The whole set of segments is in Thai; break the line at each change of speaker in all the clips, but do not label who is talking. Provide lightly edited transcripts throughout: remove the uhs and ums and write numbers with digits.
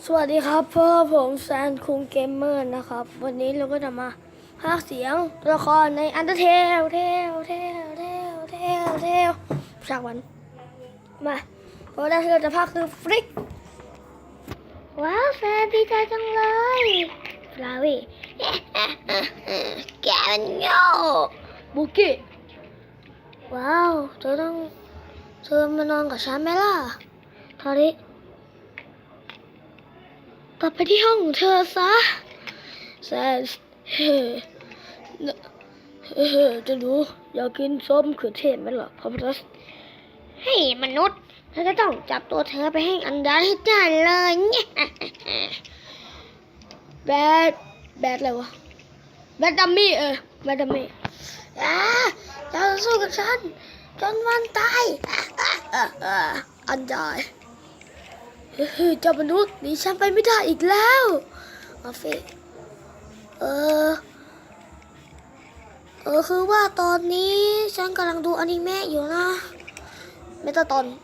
สวัสดีครับพ่อผมแซนคุงเกมเมอร์นะครับวันนี้เราก็จะมาพากย์เสียงตัวละครในอันเดอร์เทลฉากวันมาเพราะได้ที่เราจะพากย์คือฟลิกว้าวแฟนดีใจจังเลยฟลาวี่แกมันโง่บุกี้ว้าวเธอมานอนกับฉันไหมล่ะทอริกลับไปที่ห้องของเธอซะแซนจะรู้อยากกินส้มเขือเทศไหมล่ะพอพัสให้มนุษย์เธอจะต้องจับตัวเธอไปให้อันดาให้ได้เลยเนี่ยแบดอะไรวะแบดดัมมี่แบดดัมมี่จะสู้กับฉันจนวันตายอันดาเจ้ามนุษย์หนีฉันไปไม่ได้อีกแล้วมาเฟกคือว่าตอนนี้ฉันกำลังดูอนิเมะอยู่นะเมตาตอน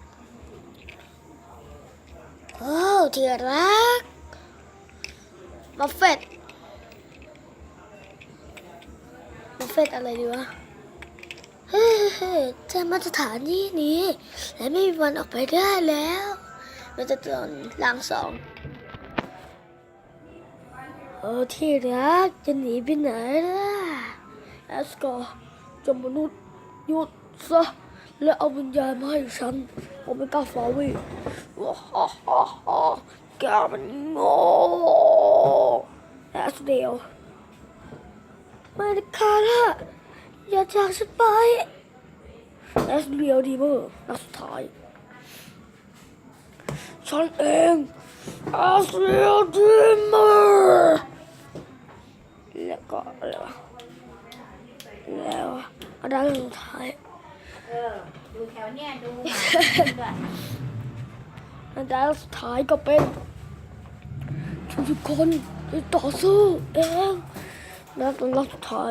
ที่รักมาเฟตอะไรดีวะเธอมาสถานีนี้และไม่มีวันออกไปได้แล้วมันจะตอนล่างสองที่รักจะหนีไปไหนล่ะแอสกอร์จมนุษย์หยุดซะและเอาวิญญาณมาให้ฉันโอเมก้าฟาวีแกมันโง่แอสเดลไม่ได้ค่ะล่ะอย่าจากฉันไปแอสเดลดีเมอร์นัดสุดท้ายฉันเองอาเซียดีเมอร์แล้วก็อะไรวะแล้วอะไรสุดท้าย
ดูแถวเนี่ยดู
อันดับสุดท้ายก็เป็นทุกคนที่ต่อสู้เองแล้วตอนรอบสุดท้าย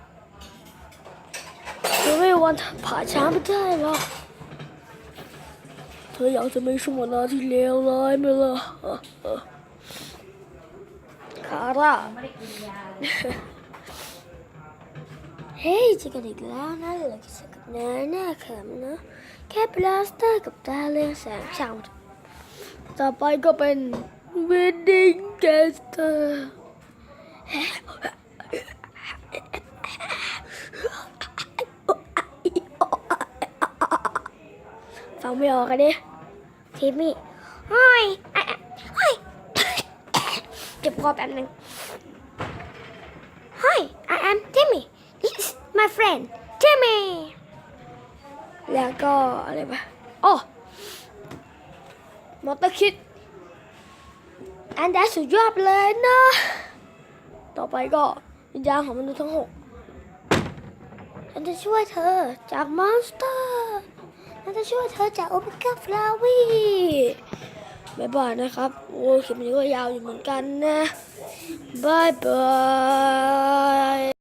เธอไม่วันผ่าช้างไม่ได้หรอกเธออยากจะมีช่วงเวลาที่เลวร้ายไหมล่ะคาร่าเฮ้ยเจอกันอีกแล้วนะเหลือกิจกับนายแน่เขิมนะแค่ปลาสเตอร์กับตาเรืองแสงช่างต่อไปก็เป็นวิดดิ้งแกสเตอร์ฟังไม่ออกกันดิทีมี่ห้อยเจ็บคอแป๊บนึง Hi I am Timmy This is my friend Timmy แล้วก็อะไรปะมอเตอร์คิดอันได้สุดยอดเลยนะต่อไปก็วิญญาณของมนุษย์ทั้ง6ฉันจะช่วยเธอจากมอนสเตอร์ฉันจะช่วยเธอจากโอเมก้าฟลาวีบ๊ายบายนะครับโอ้คลิปนี้ก็ยาวอยู่เหมือนกันนะบ๊ายบาย